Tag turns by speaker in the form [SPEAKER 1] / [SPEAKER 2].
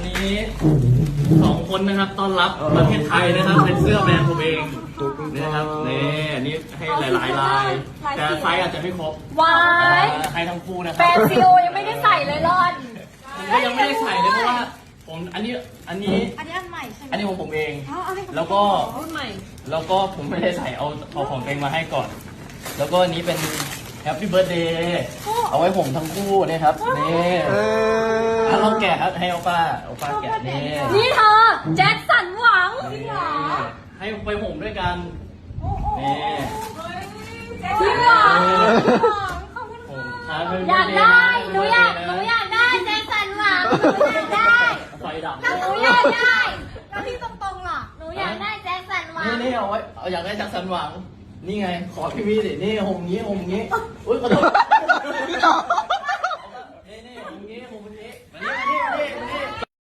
[SPEAKER 1] นี้2 คนนะครับต้อนรับประเทศไทยนะครับเป็นเสื้อแบรนด์ผมเองนะครับนี่อันนี้ให้หลายๆลายแต่ไซส์อาจจะไม่ครบ
[SPEAKER 2] วาย
[SPEAKER 1] ให้ทั้งคู่นะค
[SPEAKER 2] แฟ
[SPEAKER 1] รับ
[SPEAKER 2] นซีโอยังไม่ได้ใส่เลยรอน
[SPEAKER 1] ผมก็ยังไม่ได้ใส่เลยเพราะว่าผมอันนี้
[SPEAKER 3] อันใหม่ใช่ไหม
[SPEAKER 1] อันนี้ของผมเอง
[SPEAKER 3] เอาให้
[SPEAKER 1] แล้วก็
[SPEAKER 2] รุ่นใหม่
[SPEAKER 1] แล้วก็ผมไม่ได้ใส่เอาของตัวเองมาให้ก่อน แล้วก็อันนี้เป็น Happy Birthday เอาไว้ผมทั้งคู่นะครับนี่ลองแกะครับให้โอป้าแกะนี่
[SPEAKER 2] นี่เธอแจ็คสันหวัง
[SPEAKER 1] ให้ไปผมด้วยกันนี่
[SPEAKER 2] จริงเหรอ
[SPEAKER 1] ผมครับ
[SPEAKER 2] อยากได้หนูอยากได้แจ็คสันหวังหนูอยากได้
[SPEAKER 1] ไฟดับ
[SPEAKER 2] หนูอยากได้
[SPEAKER 3] แล้วที่ตรงๆล่ะ
[SPEAKER 2] หนูอยากได้แจ็คสันหวัง
[SPEAKER 1] นี่เอาไว้เอาอยากได้จากสันหวังนี่ไงขอพี่วีดินี่หงงี้อุ้ยขอโทษ